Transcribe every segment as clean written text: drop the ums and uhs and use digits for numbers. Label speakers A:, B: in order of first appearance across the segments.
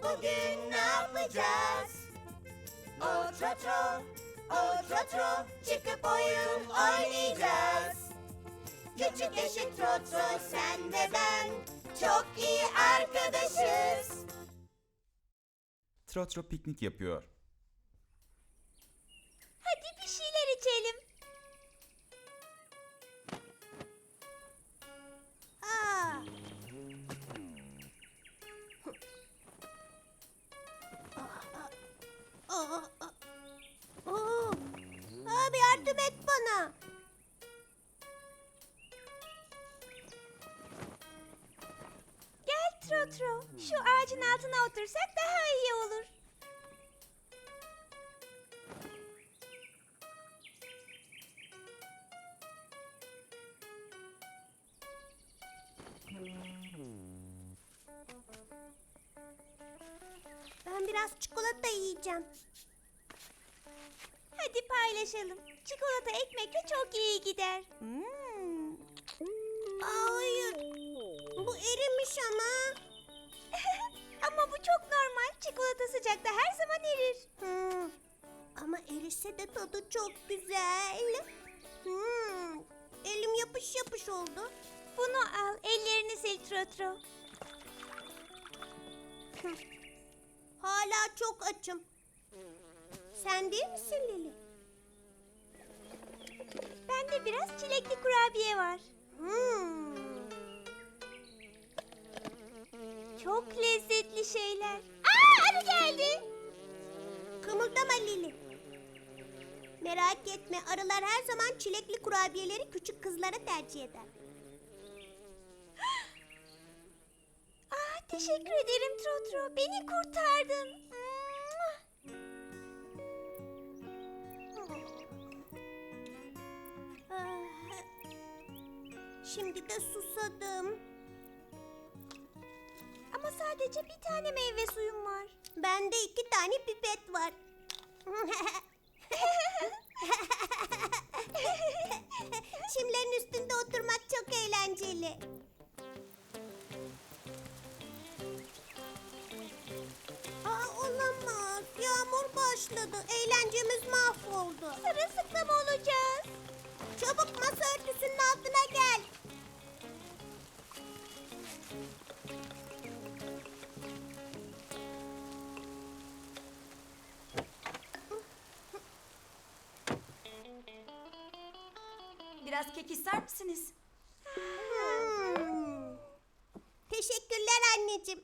A: bugün ne yapacağız? O trotro, o trotro, çıkıp oyun oynayacağız. Küçük eşek trotro, sen ve ben çok iyi arkadaşız.
B: Trotro piknik yapıyor.
C: Hadi bir şeyler içelim.
A: Abi yardım et bana.
C: Gel Trotro, şu ağacın altına otursak daha iyi olur.
A: Ben biraz çikolata yiyeceğim.
C: Hadi paylaşalım. Çikolata ekmekle çok iyi gider.
A: Hayır. Bu erimiş ama.
C: Ama bu çok normal. Çikolata sıcakta her zaman erir.
A: Ama erişse de tadı çok güzel. Elim yapış yapış oldu.
C: Bunu al, ellerini sil Trotro.
A: Hala çok açım. Sen değil misin Lili?
C: Bende biraz çilekli kurabiye var. Çok lezzetli şeyler. Arı geldi.
A: Kımıldama Lili. Merak etme, arılar her zaman çilekli kurabiyeleri küçük kızlara tercih eder.
C: Teşekkür ederim Trotro. Beni kurtardın.
A: Şimdi de susadım.
C: Ama sadece bir tane meyve suyum var.
A: Bende 2 tane pipet var. Çimlerin üstünde oturmak çok eğlenceli. Olamaz. Yağmur başladı. Eğlencemiz mahvoldu.
C: Sırılsıklam olacağız.
A: Çabuk masa örtüsünün altına gel.
D: Biraz kek ister misiniz?
A: Teşekkürler anneciğim.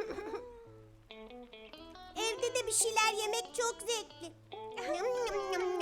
A: Evde de bir şeyler yemek çok zevkli.